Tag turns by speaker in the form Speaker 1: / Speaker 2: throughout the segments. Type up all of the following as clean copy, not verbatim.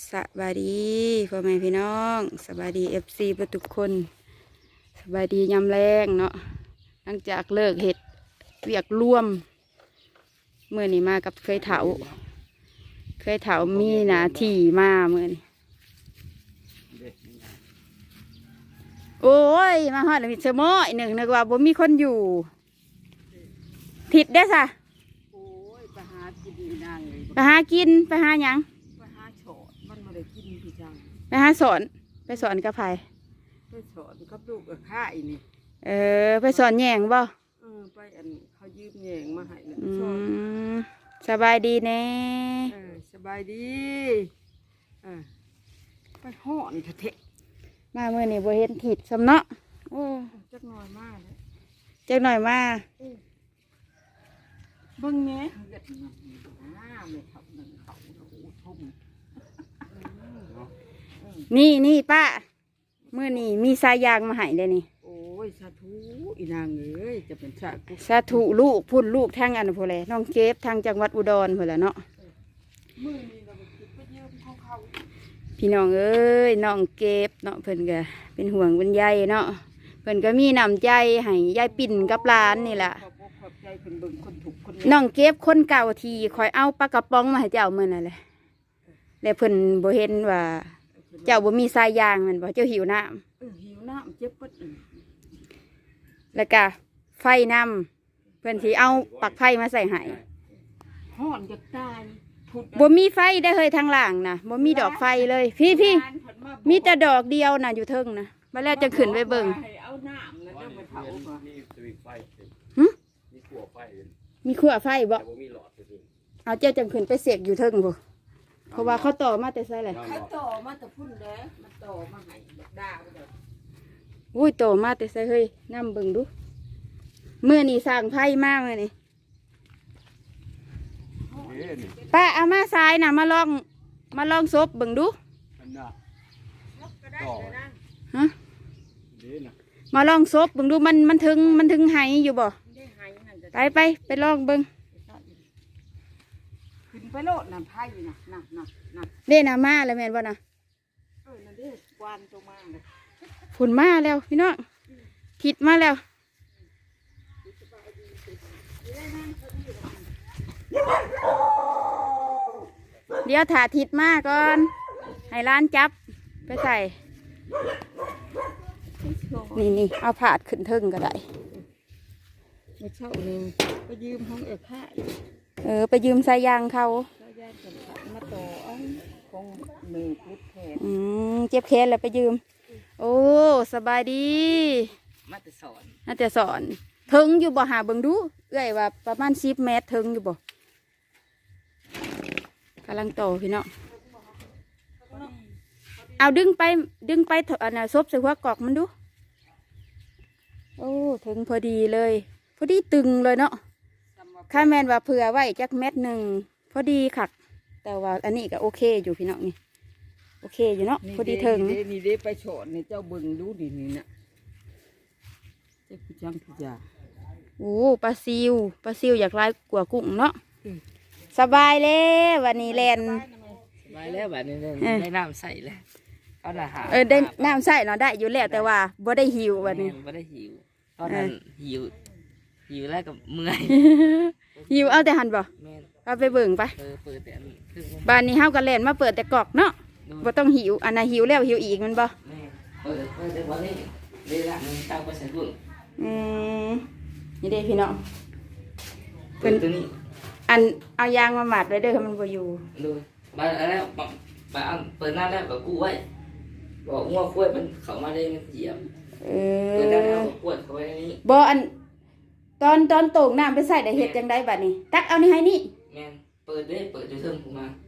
Speaker 1: สวัสดีพ่อแม่พี่น้องสวัสดีFCทุกคนสวัสดียามแรงเนาะหลังจากเลิกเห็ดเวียกร่วมเมื่อนี้มากับเคยเถามีหน้าที่มาเมื่อนี้โอ้ยมาฮอดแล้วมีเสมออีกหนึ่งนึกว่าบ่มีคนอยู่ทิดได้ซะ
Speaker 2: โอ้ยไปหากินนางเลย
Speaker 1: ไปหากินไปหาหยัง
Speaker 2: ไปหาโฉดมันมาได้กินพี่จัง
Speaker 1: ไปหาสอนกับไผ
Speaker 2: ไปสอนกับลูกกับข้าอีนี่
Speaker 1: ไปสอนแยงบ่
Speaker 2: ไปอันเขายืมแยงมาให้เนี่ย
Speaker 1: สบายดีแน่
Speaker 2: สบายดีไปห่อนเถอะ
Speaker 1: มาเมื่อนี้บ่เห็นถิดสำเนาะ
Speaker 2: จักหน่อยมากเลย
Speaker 1: จักหน่อยมา
Speaker 2: เบิ่งแหน่เกิดไม่เขาหนึ่งเขาทุ่ม
Speaker 1: นี่ป้าเมื่อนี้มีสายยางมาให้เลยนี่
Speaker 2: โอ้ยสาธุอีนางเอ้ยจะเป็น
Speaker 1: สาธุลูกพุ่นลูกทางอันพู้นแหละน้องเก็บทางจังหวัดอุดรพู้นแหละเนาะ
Speaker 2: มื้อนี้เราไปยืมของเขา
Speaker 1: พี่น้องเอ้ยน้องเก็บเนาะเพิ่นก็เป็นห่วงเป็นใยเนาะเพิ่นก็มีน้ำใจให้ยายปิ่นกับหลานนี่แหละน้องเก็บคนเก่าทีคอยเอาปลากระป๋องมาให้เจ้าเมื่อนั่นแหละแล้วเพิ่นบ่เห็นว่าเจ้าบ่มีสายยางมันบ่เจ้าหิวน้
Speaker 2: ำหิวน้ำเจ็บปึ๊ด
Speaker 1: แล้วก็ไฟน้ำเพิ่นสิเอาปลั๊กไฟมาใส่ให้
Speaker 2: ฮ้อนจะตาย
Speaker 1: บ่มีไฟได้เฮ้ยทางล่างนะบ่มีดอกไฟเลยพี่มีแต่ดอกเดียวน่ะอยู่เทิงนะมาแล้วจะขึ้นไปเบิ่ง
Speaker 2: เอาน้ำแล้วจะไปเผา
Speaker 1: มีขั้วไฟบ่เอาเจ้าจังขึ้นไปเสกอยู่เทิงบ่เพราะว่าเขาต่อมาแต่ไสแหละ
Speaker 2: เขาต่อมาแต่พุ่นเด้อมาต่อมาให้ดาวเด้อ
Speaker 1: อุ้ยต่อมาแต่ไสเฮ้ยนำเบิ่งดูเมื่อนี้สร้างไฟมากเลยนี่ป้าเอามาทรายน่ะมาลองซบเบิ่งดูฮะมาลองซบเบิ่งดูมันถึงไหอยู่บ่ไปลองเบิ่ง
Speaker 2: ขึ้นไปโลดน้ำไผ่น่ะ
Speaker 1: เด้น่ะมาแล้วแม่นบ่น่ะ
Speaker 2: นั่นเด้กวานตัวมาเลย
Speaker 1: ฝนมาแล้วพี่น้องทิศมาแล้วเดี๋ยวถ่าทิศมาก่อนให้ร้านจับไปใส่นี่เอาผาดขึ้นเทิงก็ได้
Speaker 2: ไม่เช่าเลยไปยืมห้องข้า
Speaker 1: ไปยืมสายยางเขา
Speaker 2: สายยางกันมาต่อของมือพุทธแขน
Speaker 1: เจ็บแขนแล้วไปยืมโอ้สบายดี
Speaker 2: มาแต่ส
Speaker 1: อนถึงอยู่บ่หาเบิ่งดูเอ้ยว่าประมาณ10 เมตรถึงอยู่บ่กำลังโตพี่น้องเอาดึงไปอันน่ะซบใส่หัวกอกมันดูโอ้ถึงพอดีเลยพอดีตึงเลยเนาะข้าแมนว่าเผื่อไว้จัก1 เมตรพอดีค่ะแต่ว่าอันนี้ก็โอเคอยู่พี่น้องนี่โอเคอยู่เนาะพอดีถึง
Speaker 2: นี่เด้ไปโฉดนี่เจ้าบึงดูดินี่นะเจ้าผู้จังผู้จ่า
Speaker 1: โอ้ปลาซิวอยากไล่กว่ากุ้งเนาะสบายเลยวันนี้แลน
Speaker 2: สบายแล้ววันนี้ได้น้ำใส่เลยเอาอาหาร
Speaker 1: ได้น้ำใส่เนาะได้อยู่แล้วแต่ว่าบ่ได้หิววันนี้
Speaker 2: บ่ได้หิวตอนนั้นหิวแล้วกับเมื่อย
Speaker 1: หิวเอาแต่หันบ่เอาไปเบิ่งไป
Speaker 2: เปิดแต่
Speaker 1: บ้านนี้เฮาก็แล่นมาเปิดแต่กอกเนาะบ่ต้องหิวอันน่ะหิวแล้วหิวอีกมันบ่
Speaker 2: เปิดแต่วันนี้เวลามันตั้งไปใส่บุ้ง
Speaker 1: นี่เด้พี่น้อง
Speaker 2: เปิดตัวนี้
Speaker 1: อันเอายางมาหมัดไว้เด้อมันบ่อยู่
Speaker 2: ดูมาแล้วเปิดหน้าแล้วก็กู้ไว้บอกงัวคุ้ยมันเข้ามาได้มันเหยียบเปิดแล้วเอาขวดเข้าไว้ในนี้
Speaker 1: บ่อันตอนโต่งน้ำไปใส่ได้เฮ็ดจังไดบัดนี้ตักเอานี่ให้นี่
Speaker 2: แม่นเปิดอยู่เทิงกูมา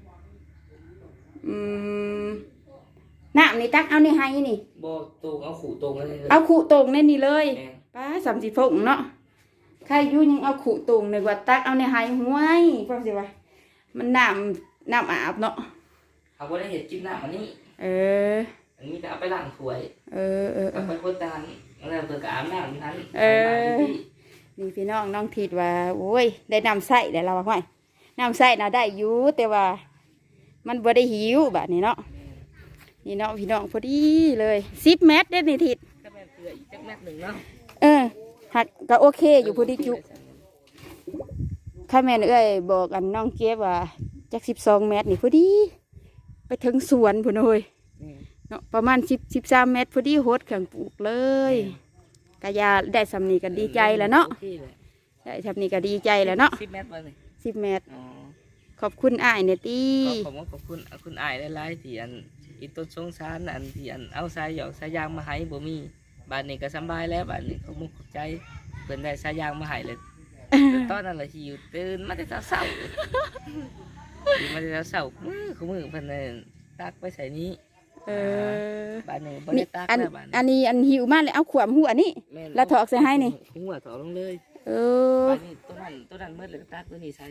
Speaker 1: น้ำนี่ตักเอานี่ให้นี่
Speaker 2: บ่โต่งเอาขู่โต่งเลย
Speaker 1: เอาขู่โต่งในนี่เลยป้า30 ฟงเนาะใครอยู่ยังเอาขู่โต่งนึกว่าตักเอานี่ให้ห้วยฟังสิว่ามันน้ำอาบเนาะ
Speaker 2: เอาบ่ได้เฮ็ดกินน้ำอันนี้อันนี้จะเอาไปล้างถ้วยเอาไปคนตาแล้วเปิดกระอาบน้ำนั้น
Speaker 1: นี่พี่น้องทิดว่าโอ้ยได้น้ำใส่ได้เราว่าน้ำใส่น่ะได้อยู่แต่ว่ามันบ่ได้หิวแบบนี้เนาะนี่เนาะพี่น้องพอดีเลย10 เมตรได้ในทิศ
Speaker 2: ก็แม่นเกลืออีกจักแมตรหนึ่งเนาะ
Speaker 1: หักก็โอเคอยู่พอดีจุข้าแม่นเอ้ยบอกกันน้องเก็บว่าจัก12 เมตรนี่พอดีไปถึงสวนพุ่นเอ้ยเนาะประมาณ13 เมตรพอดีโหดเครื่องปลูกเลยกะยาได้สำนีก็ดีใจแล้วเนาะได้สำนีก็ดีใจแล้วเนาะ
Speaker 2: 10 เมตรบ่นี่
Speaker 1: 10 เมตร
Speaker 2: อ๋อ
Speaker 1: ขอบคุณอ้ายเนี่ยตี
Speaker 2: ขอบคุณอ้ายหลายๆที่อันอีต้นสงสารอันที่อันเอาสายหยอกสายยางมาให้บ่มีบ้านนี้ก็สำบายแล้วบ้านนี้เขามุกขอบใจเพิ่นได้สายยางมาให้เลยตอนนั้นล่ะหิวตื่นมาแต่เช้าตื่นมาแต่เช้ามือเพิ่นน่ะตักไปใส่นี้บ้านนี้บ่ได้ตักแล้วบ้าน
Speaker 1: อันนี้อันหิวมากเลยเอาขวามหัวนี่แล้วถอกใส่ให้นี่
Speaker 2: หัวถอกลงเลยบ้านนี้ตัวนั้นมืดเลยตักตัวนี้ใส่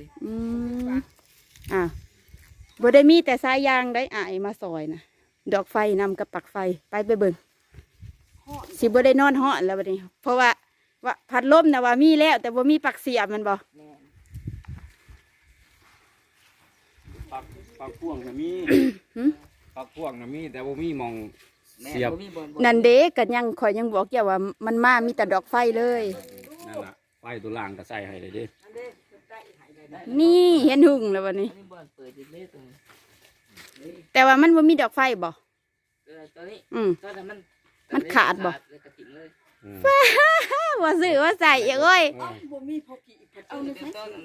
Speaker 1: บ่ได้มีแต่สายยางได้อ้ายมาซอยนะดอกไฟนำกับปักไฟไปเบิ่งสิบ่ได้นอนฮ้อนแล้วบัดนี้เพราะว่าพัดลมนะว่ามีแล้วแต่บ่มีปักเสียบมันบ่
Speaker 3: ปักพ่วงน่ะมีปักพ่วงน่ะมีแต่บ่มีมองเสียบ
Speaker 1: นั่นเด้ก็ยังข่อยยังบอกอย่าว่ามันมามีแต่ดอกไฟเลย
Speaker 3: นั่นล่ะไฟตัวล่างก็ใส่ให้เลยเด้
Speaker 1: นี่เห็นหุ่งแล้วบัดนี้แต่ว่ามันบ่มีดอกไฟบ่มันขาดบ่ว่าซื้อว่าใส่เอ้ยบ่มีพอกีบเอาบ่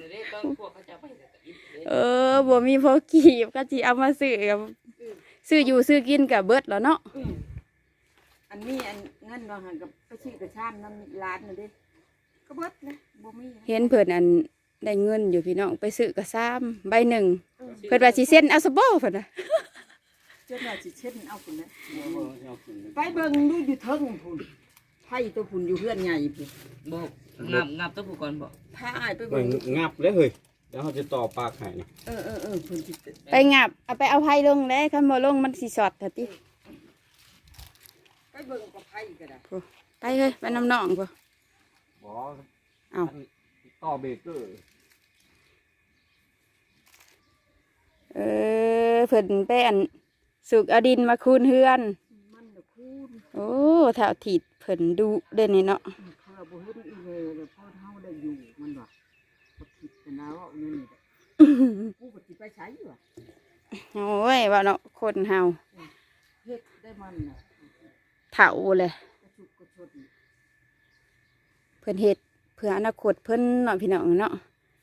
Speaker 1: มีพอกีบก็สิเอามาซื้อกับซื้ออยู่ซื้อกินกับเบิดแล้วเนาะ
Speaker 4: อันนี้อันเงินเราหันกับไปซื้อกระชามน้ำร้านน่ะดิก็เบิดนะบ่มี
Speaker 1: เห็นเพิ่นอันได้เงินอยู่พี่น้องไปซื้อกระซ้ำใบหนึ่งเพิ่นว่าสิเซ็นเอาซะบ่เพิ่นน่ะ
Speaker 4: เจ้าว่าสิเซ็นเอาพุ่นนะไปเบิ่งดูอยู่เทิงพุ่นไผตัวพุ่นอยู่เฮือนใหญ่พุ่น
Speaker 2: บ่งับตัวผู้ก่อนบ่
Speaker 4: พาอ้ายไปเบิ่ง
Speaker 3: งับเลยเฮ้ยแล้วเขาจะต่อปากให้นี่
Speaker 4: พุ่นสิ
Speaker 1: ไปงับเอาไปเอาไผลงแล้วคันบ่ลงมันสิช็อตเถอะติ
Speaker 4: ไปเบิ่งกับไผก็ได้
Speaker 1: ไปเฮ้ยไปนำน้องพุ่น
Speaker 3: บ่เอาต่อเบรกเกอร์
Speaker 1: เพิ่นไปอันสุกเอาดินมาคูนเฮือน
Speaker 4: มันน่ะคูน
Speaker 1: โอ้แถวถีดเพิ่นดูเด่นนี่เนาะ
Speaker 4: เขาบ่เฮ็ดอีเวแล้วพอเฮาได้อยู่มันว่าบ่คิดนะว่าเงินนี่กูบ่สิไปใช้อยู่อ่ะ
Speaker 1: โอ้ยว่าเนาะคนเฮา
Speaker 4: เฮ็ดได้มันน่ะ
Speaker 1: เฒ่าเลยเพิ่นเฮ็ดเพื่ออนาคตเพิ่นเนาะพี่น้องเนาะ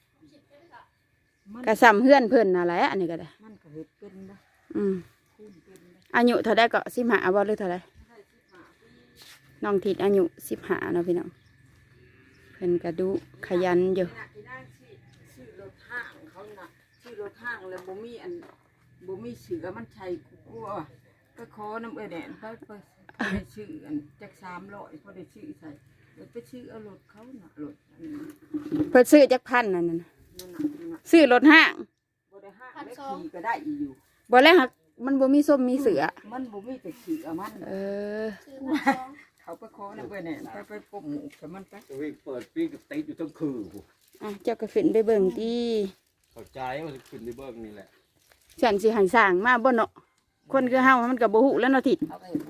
Speaker 1: กระซำเฮือนเพิ่นอะไรอันนี้ก็ได้
Speaker 4: มันก็เฮ็ดเป็นนะ
Speaker 1: อายุเท่าใดก็15บ่หรือเท่าใดน้องทิดอายุ15เนาะพี่น้องเพิ่นก็ดูขยันอยู่
Speaker 4: ชื่อรถห้างเขาน่ะชื่อรถห้างแล้วบ่มีเสือมันใช่กลัวก็ขอน้ำแดงไปชื่ออันจัก300พอได้ชื่อใส่ไปชื่อเอารถเขาน่ะรถ
Speaker 1: เพิ่นซื้อจักพันนั่นน่ะซื้อรถห้าง
Speaker 4: บ่ได้ห้างได้ขี่ก็ได้อยู่
Speaker 1: บ่แล้วหักมันบ่มีส้มมีเสือ
Speaker 4: มันบ่มีแต่ขี่เอามันเขาไปขอน้ำแดงไปกบหมูแต่มันไป
Speaker 3: เปิดปีกติดอยู่ทั้งคืน
Speaker 1: เจ้าก็ขึ้นไปเบิ่งติ
Speaker 3: เข้าใจว่าขึ้นไปเบิ่งนี่แหละ
Speaker 1: ฉันสิให้สร้างมาบ่เนาะคนคือเฮามันก็บ่ฮู้แล้วเนาะทิด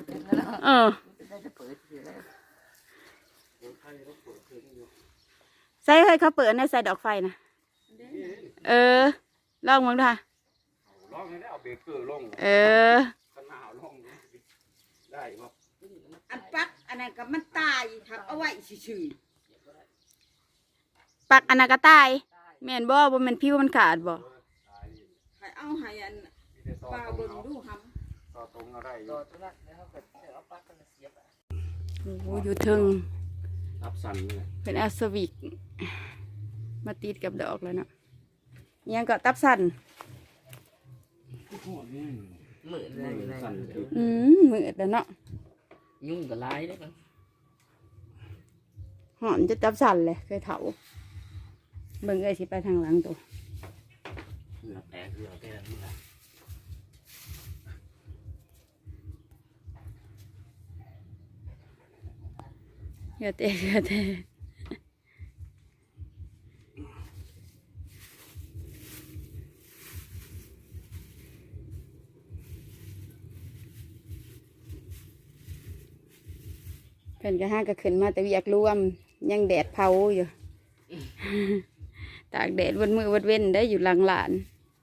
Speaker 1: ใส่ให้เขาเปิดในใส่ดอกไฟนะลองมึงดูค่ะ
Speaker 3: ลองได้เอาเบรกเกอร์ลงขนาดลงได้บ่
Speaker 4: อันปักอันนั้นก็มันตายครับเอาไว้ซื่อ
Speaker 1: ปักอันนั้นก็ตายแม่นบ่แม่นผิวมันขาดบ่
Speaker 4: ให้เอาให้อันปลาเบิ่งดูหำ
Speaker 3: ต่อตรงเอาได้อยู่
Speaker 1: โอ้อยู่ถึง
Speaker 3: อับสันเลย
Speaker 1: เป็นแอสวิกมาติดกับดอกแล้วเนาะยังก็ตับสัน
Speaker 2: มืดเลย
Speaker 1: มืดแล้วเนาะ
Speaker 2: ยุ่งกับลายได้มั้ง
Speaker 1: หอมจะตับสันเลยเคยเถาเบิ่งไอ้สิไปทางหลังตัวอย่าเตะอย่าเตะเพิ่นก็ห้าก็ขึ้นมาแต่เวียกร่วมยังแดดเผาอยู่ ตากแดดวันมือวันเว้นได้อยู่หลังหลาน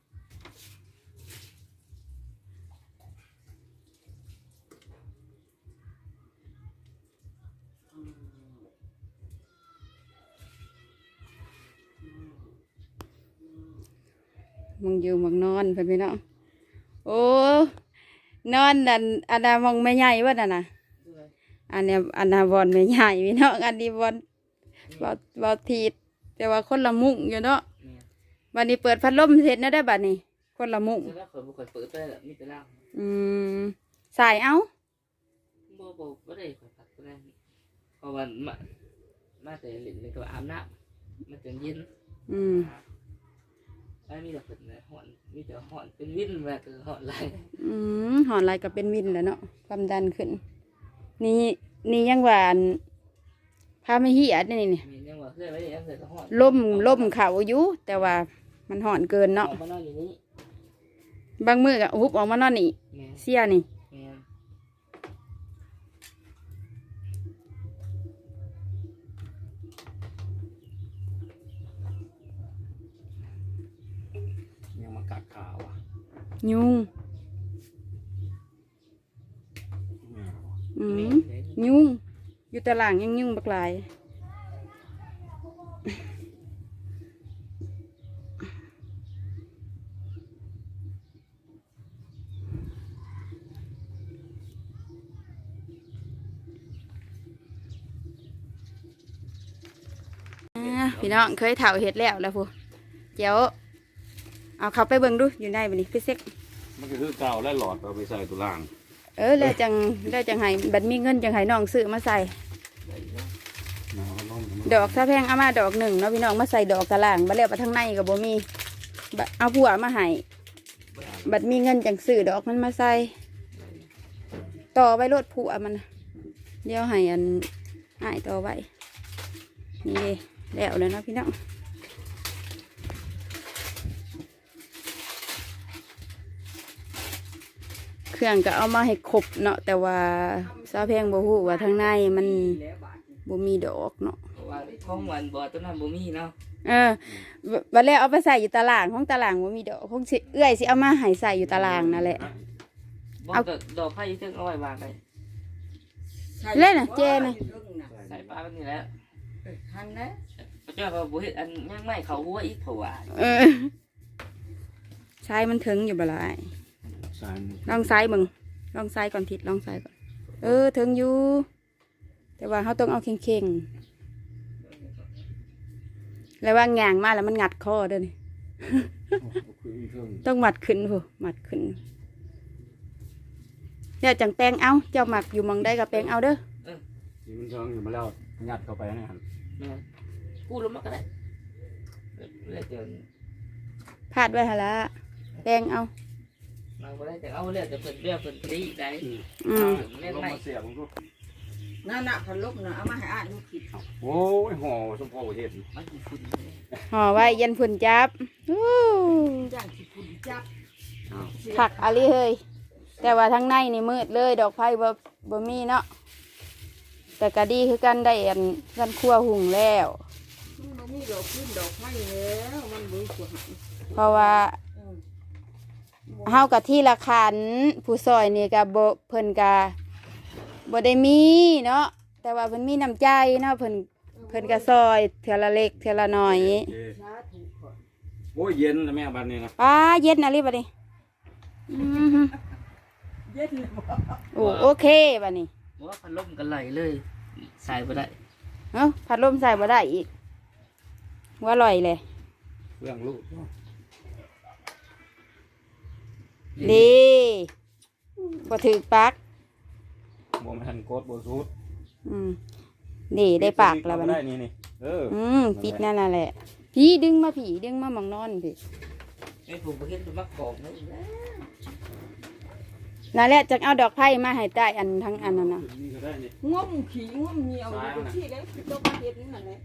Speaker 1: มึงอยู่มึงนอนเพิ่นพี่น้องโอ้นอนอันน่ะมองแม่ใหญ่ว่าน่ะนะอันเนี้ยอันน่ะบอลแม่ใหญ่พี่น้องอันนี้บอลบอลทีดแต่ว่าคนละมุ้งอยู่เนาะวันนี้เปิดพัดลมเสร็จนะได้บัดนี้คนละมุ้ง
Speaker 2: แล้วข่อยบ่ค่อยเปิดไปแล้วมีแต่ล่าง
Speaker 1: สายเอา
Speaker 2: บ่ได้ข่อยพักบ่ได้เพราะว่ามาแต่เล่นก็อาบน้ำมันจนเย็นแล้วมีแต่เพิ่นน่ะฮ้อนมีแต่ฮ้อนเป็นวินว่าคือฮ้อนหลาย
Speaker 1: หอนลายก็เป็นวินแล้วเนาะความดันขึ้นนี่ยังหวานพาไม่เหียดนี่
Speaker 2: มียังว่าเคยไว้ยังเคยก็ฮ้อน
Speaker 1: ล่มเข่าอยู่แต่ว่ามันหอนเกินเนาะ
Speaker 2: ออกมานอนอยู่นี่
Speaker 1: บางมือก็ฮุบออกมานอนนี่
Speaker 2: แม่
Speaker 1: เสียนี่
Speaker 2: แม่
Speaker 3: ยังมากัดขาวอ่ะ
Speaker 1: ยุง
Speaker 3: แม่บอก
Speaker 1: ยุงอยู่ตารางยังยุงบักหลายพี่น้องเคยเถาเห็ดแล้วพูเดี๋ยวเอาเขาไปเบิ่งดูอยู่ในบันนี้พี่เซ็ก
Speaker 3: มันก็คือเก่าและหลอดเอาไปใส่ตัวล่าง
Speaker 1: แล้วจังให้บัดมีเงินจังให้น้องซื้อมาใส่
Speaker 3: น้ำล้ม
Speaker 1: ดอกถ้าแพงเอามาดอกหนึ่งเนาะพี่น้องมาใส่ดอกกระล่างบัดแล้วไปทางในกับบ่มีบัดเอาผัวมาให้บัดมีเงินจังซื้อดอกมันมาใส่ต่อไว้รถผัวมันเดี๋ยวให้อันอ้ายต่อไว้นี่แล้วเลยเนาะพี่น้องเครื่องก็เอามาให้ครบเนาะแต่ว่าซาแพงบ่ฮู้ว่าทางในมันบ่มีดอกเนาะ
Speaker 2: เพราะว่าของหวานบ่ตัวนั้นบ่มีเนาะ
Speaker 1: บัดแล้วเอาไปใส่อยู่ตารางของตารางบ่มีดอกของสิเอื้อยสิเอามาให้ใส่อยู่ตารางนั่นแหละ
Speaker 2: บ่ก็ดอกไผ่ถึงเอาไว้วางได้
Speaker 1: เล่นน่ะเจน่ะ
Speaker 2: ใส่ปลาแบบนี้แหล้ว
Speaker 4: ทันนะ
Speaker 2: พระเจ้าก็บ่เฮ็ดอันยังไม่เข้าหัวอีกเพราะว่า
Speaker 1: ใช้มันถึงอยู่บ่ล่ะอ้าย
Speaker 3: สาย
Speaker 1: ลองใส่เบิ่งลองใส่ก่อนทิศลองใส่ก่อนถึงอยู่แต่ว่าเฮาต้องเอาเข่งๆแล้วว่างางมาแล้วมันงัดคอเด้อนี่ ต้องมัดขึ้นพูมัดขึ้นเนี่ยจังแปลงเอาเจ้าหมักอยู่หมองได้กับแปลงเอาเด้อ
Speaker 3: นี่มันเชิงอยู่มาแล้วงัดเข้าไปนะฮะ
Speaker 2: แม่กูลงมาก็ได้เลยเดี๋ยว
Speaker 1: พาดไว้หนละแปลงเอา
Speaker 2: มาบ่ได้แต่เอาเลยแต่เพิ่นเรียกเพิ่นตีได้
Speaker 3: ลงมาเสียบผมก็
Speaker 4: นั่นน่ะพันลบน่ะเอามาให้อ่านดูผิด
Speaker 3: โอ้ยห่อสมพอเห็ด
Speaker 2: มันคือฝุ่น
Speaker 1: ห่อไว้ยันฝุ่นจับ
Speaker 4: จ้างสิคุณจับ
Speaker 1: ผักอะไรเฮ้ยแต่ว่าทั้งในนี่มืดเลยดอกไผ่บ่มีเนาะแต่ก็ดีคือกันได้กันคั่วหุงแล้ว
Speaker 4: มันบ่มีดอกขึ้นดอกไม้แล้วมันบ่สวย
Speaker 1: เพราะว่าเฮากับที่ละคันผู้ซอยนี่ก็บ่เพิ่นก็บ่ได้มีเนาะแต่ว่าเพิ่นมีน้ำใจเนาะเพิ่นก็ซอยเทื่อละเล็กเทื่อละน้อย
Speaker 4: สาธุก่อน
Speaker 3: โอ้ยเย็นนะแม่บ้านนี้นะ
Speaker 1: เย็นอะไรบัดนี้
Speaker 4: เย็นเลยบ่
Speaker 1: โอเคบัดนี้
Speaker 2: บ่ว่าพัดลมกันไหลเลยใส่บ่ได้
Speaker 1: พัดลมใส่บ่ได้อีกว่าอร่อยเลย
Speaker 3: เรื่องลูก
Speaker 1: ดีบ่ถือปัก
Speaker 3: บ่มาทันโกดบ่ซูด
Speaker 1: ดีได้ปากแล้วบัด
Speaker 3: ได้
Speaker 1: นี้
Speaker 3: นี่
Speaker 1: ปิดนั่นน่ะแหละพี่ดึงมาหมองนอนพี่
Speaker 2: ไอ้ผมบ่เฮ็ดมักกอกนะอีกแล้ว
Speaker 1: นั่นแหละจังเอาดอกไผ่มาให้ใต้อันทั้งอันนั้นน่ะ
Speaker 3: นี่ก็ได้นี่
Speaker 4: ง่วงขี้ง่วงเหนียวอยู่ที่ได้ตัวมาเฮ็ดนั่นแหละ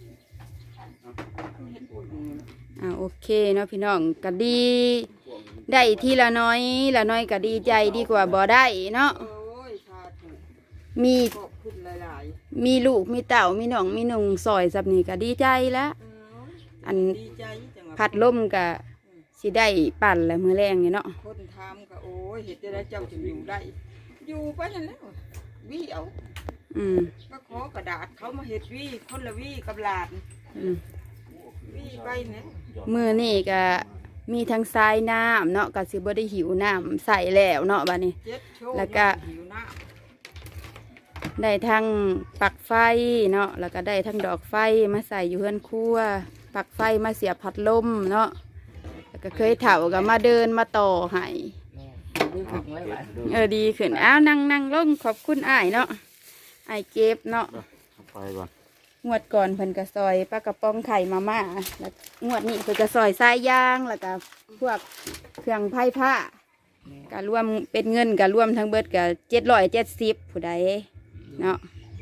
Speaker 4: เฮ็ดปุ่น
Speaker 1: โอเคเนาะพี่น้องก็ดี ได้ทีละน้อยก็ดีใจดีกว่าบ่ได้เนาะ
Speaker 4: โอ้ยสาธุ
Speaker 1: มี
Speaker 4: ขอบคุณหลาย
Speaker 1: มีลูกมีเต่ามีน้องมีนุ่งซอยสับนี่ก็ดีใจแล้ว
Speaker 4: ๆ
Speaker 1: อัน
Speaker 4: ดีใจจังว่า
Speaker 1: พัดลมก็สิได้ปั่นแล้วมื้อแรงนี่เนาะ
Speaker 4: คนทำก็โอ้ยเฮ็ดจะได้เจ้าจึงอยู่ได้ อยู่ไปนั่นแหล้ววิเอา
Speaker 1: อืม
Speaker 4: ก็ขอกระดาษเขามาเฮ็ดวิคนละวิกับหลาน
Speaker 1: อืม
Speaker 4: วิไปเนี่ย
Speaker 1: มื้อนี้ก็มีทั้งทรายน้ำเนาะก็สิบ่ได้หิวน้ำใส่แล้วเนาะบัดนี้
Speaker 4: เจ็ดโชว์
Speaker 1: แล้วก็
Speaker 4: หิวน้
Speaker 1: ได้ทั้งปลั๊กไฟเนาะแล้วก็ได้ทั้งดอกไฟมาใส่อยู่เฮือนครัวปลั๊กไฟมาเสียบพัดลมเนาะแล้วก็เคยเฒ่าก็มาเดินมาต่อให้
Speaker 2: แม่ดูถึงไว้บ้าน
Speaker 1: ดีขึ้นอ้าวนั่งลงขอบคุณอ้ายเนาะอ้ายเก็บเนาะ
Speaker 3: เอาไปก่อน
Speaker 1: งวดก่อนเพิ่นก็ซอยปลากระป๋องไข่มาม่าแล้วงวดนี้เพิ่นก็ซอยทรายยางแล้วก็พวกเครื่องไผ่ผ้าก็รวมเป็นเงินก็รวมทั้งเบิดก็770ผู้ใดเนาะ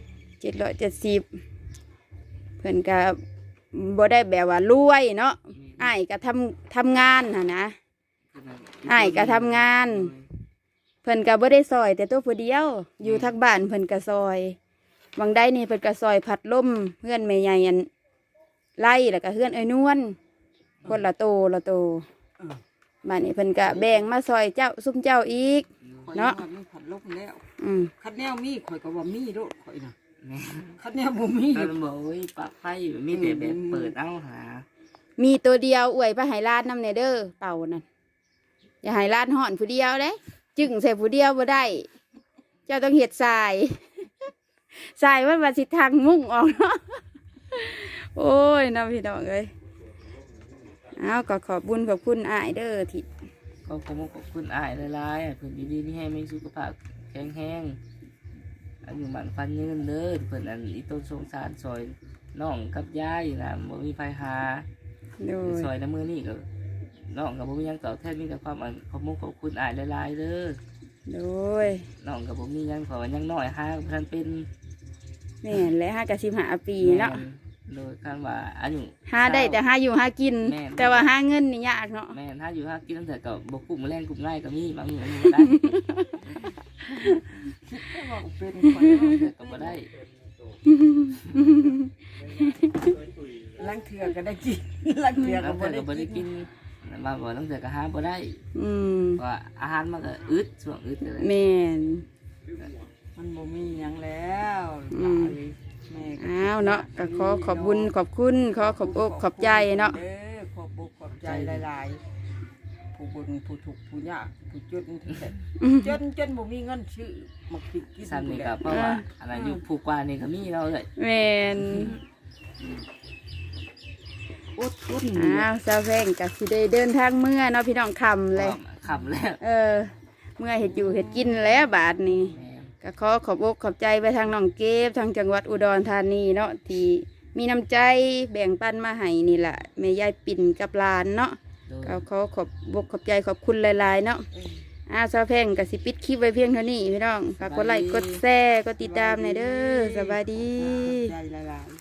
Speaker 1: 770เพิ่นก็บ่ได้แบบว่ารวยเนาะอ้ายก็ทำงานน่ะนะอ้ายก็ทำงาน เพิ่นก็บ่ได้ซอยแต่ตัวผู้เดียวอยู่ทักบ้านเพิ่นก็ซอยบางได้นี่เพิ่นก็ซอยพัดลมเพื่อนแม่ใหญ่อันไล่แล้วก็เพื่อนเอ้ยนวลคนละโตบ้านนี้เพิ่นก็แบ่งมาซอยเจ้าซุ่มเจ้าอีก
Speaker 4: ำ
Speaker 1: เนาะ
Speaker 4: ข่อยยังว่ามีผัดลมแล้ว
Speaker 1: อืม
Speaker 4: คันแนวมีข่อยก็ว่ามีโลดข่อยน่ะ
Speaker 2: แม่
Speaker 4: คันแนวบ่มี
Speaker 2: ตอนบอกว่าปลั๊กไฟมีแต่แบบเปิดเอาหา
Speaker 1: มีตัวเดียวอวยไปให้ร้านน้ำเนเด้อเต่านั่นอย่าให้ร้านห่อนผู้เดียวเด้จึงใส่ผู้เดียวบ่ได้ เจ้าต้องเฮ็ดทราย ทรายมันว่าสิทางมุ่งออกเนาะ โอ้ยน้ำพี่น้องเอ้ยเอาก็ขอบบุญขอบคุณอ้ายเด้อที่
Speaker 2: ก็ขอบคุณอ้ายหลายๆเพิ่นดีๆที่ให้มีสุขภาพแข็งแรงอายุหมันฟันยืนเด้อเพิ่นอันอีต้นสงสารซอยน้องกับยายน่ะบ่มีไฟหา
Speaker 1: โดย
Speaker 2: ซอยน้ำมือนี่ก็น้องกับบ่มีหยังตอบแทนมีแต่ความอันขอบคุณอ้ายหลายๆเด้อ
Speaker 1: โดย
Speaker 2: น้องกับบ่มีหยังขอว่ายังน้อยหาเพิ่นเป็น
Speaker 1: แม่นและ5 กับ15 ปีเนาะ
Speaker 2: โดยคำว่าอายุ
Speaker 1: หาได้แต่หาอยู่หากิน
Speaker 2: แม่น
Speaker 1: แต่ว่าหาเงินนี่ยากเนาะ
Speaker 2: แม่นถ้าอยู่ถ้ากินตั้งแต่ก็บ่กุ้มแรงกุ้มง่ายก็มีบางมื้อบ่ได้
Speaker 4: คิดแต่ว่าเป็น
Speaker 2: ข่อยก็บ่ได้
Speaker 4: ลังเถื่อก็ได้กินลังเถื่อ
Speaker 2: แล้
Speaker 4: ก็
Speaker 2: ว
Speaker 4: บ่
Speaker 2: เพิ่น
Speaker 4: ได้
Speaker 2: ก็บ่ได้
Speaker 4: กิ
Speaker 2: กิ
Speaker 4: น
Speaker 2: นมาบ่ตั้งแต่ก็หาบ่ได้
Speaker 1: อืม
Speaker 2: เพราะว่าอาหารมันก็อึดช่วงอึดเลย
Speaker 1: แม่น
Speaker 4: มันบ่มีหยังแล้ว
Speaker 1: อืม
Speaker 4: แม่ก็
Speaker 1: อ้าวเนาะก็ขอขอบบุญขอบคุณขอขอบอกขอบใจเนาะ
Speaker 4: ขอบอกขอบใจหลายๆผู้บุญผู้ถูกข์ผู้ยากผู้จนจนบ่มีเงินซื้อมากินกิน
Speaker 2: ซ้ำนี่ก็เพราะว่าอันนั้นอยู่ผู้กว่านี่ก็มีเราเลย
Speaker 1: แม่น
Speaker 4: อดทน
Speaker 1: อ้าวซาแพงก็สิได้เดินทางเมื่อเนาะพี่น้องคำเลย
Speaker 2: ขำแล้ว
Speaker 1: เมื่อเห็ดอยู่เห็ดกินแล้วบาทนี้
Speaker 2: แม่น
Speaker 1: ก็ขอขอบอกขอบใจไปทางน้องเก็บทางจังหวัดอุดรธานีเนาะที่มีน้ำใจแบ่งปันมาให้นี่แหละแม่ยายปิ่นกับหลานเนาะ
Speaker 2: โดย
Speaker 1: ก็ขอขอบอกขอบใจขอบคุณหลายๆเนาะซาแพงกับสิปิดคลิปไว้เพียงเท่านี้พี่น้องฝากกดไลค์กดแชร์กดติดตามในอยเด้อสวัสดี
Speaker 4: ใจหลายๆ